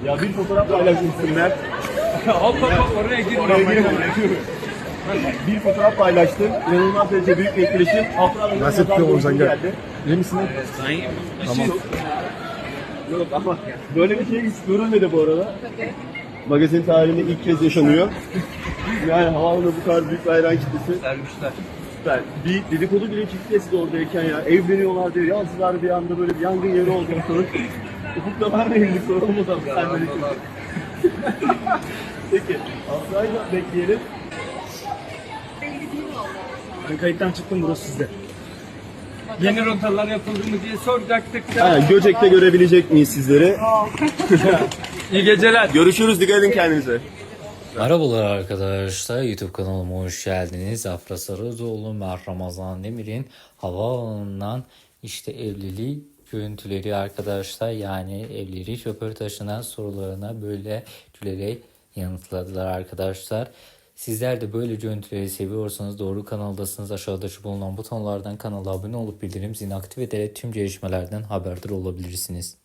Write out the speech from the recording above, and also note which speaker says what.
Speaker 1: Ya bir fotoğraf paylaşmışsın Mert.
Speaker 2: Hop hop hop oraya girme.
Speaker 1: Bir fotoğraf paylaştım. İnanılmaz derece büyük bir etkileşim. Altına
Speaker 3: Nasıl tutuyor Oğuzhan gel.
Speaker 1: İyi misin? Tamam. Yok ama böyle bir şey hiç görülmedi bu arada. Magazin tarihinde ilk kez yaşanıyor. Yani havaalanında bu kadar büyük bir hayran kitlesi.
Speaker 2: Sermişler.
Speaker 1: Süper. Bir dedikodu bile çıktı siz oradayken ya. Evleniyorlar diye yazdılar bir anda böyle bir yangın yeri oldu ortalık. Ufuk'ta var mı evlilik soralım o zaman. Sen böyle Peki. Asra'yla bekleyelim.
Speaker 3: Ben kayıttan çıktım, burası sizde.
Speaker 2: Yeni rotalar yapıldı mı diye soracaktık
Speaker 1: Ha,
Speaker 2: da.
Speaker 1: Göcek'te görebilecek miyiz sizleri?
Speaker 2: İyi geceler.
Speaker 1: Görüşürüz. Dikkat edin kendinize.
Speaker 4: Merhabalar arkadaşlar, YouTube kanalıma hoş geldiniz. Afra Sarıoğlu, Mert Ramazan Demir'in havaalanından işte evliliği görüntüleri arkadaşlar. Yani evlilik röportajına sorularına böyle gülerek yanıtladılar arkadaşlar. Sizler de böyle görüntüleri seviyorsanız doğru kanaldasınız. Aşağıda şu bulunan butonlardan kanala abone olup bildirim zilini aktif ederek tüm gelişmelerden haberdar olabilirsiniz.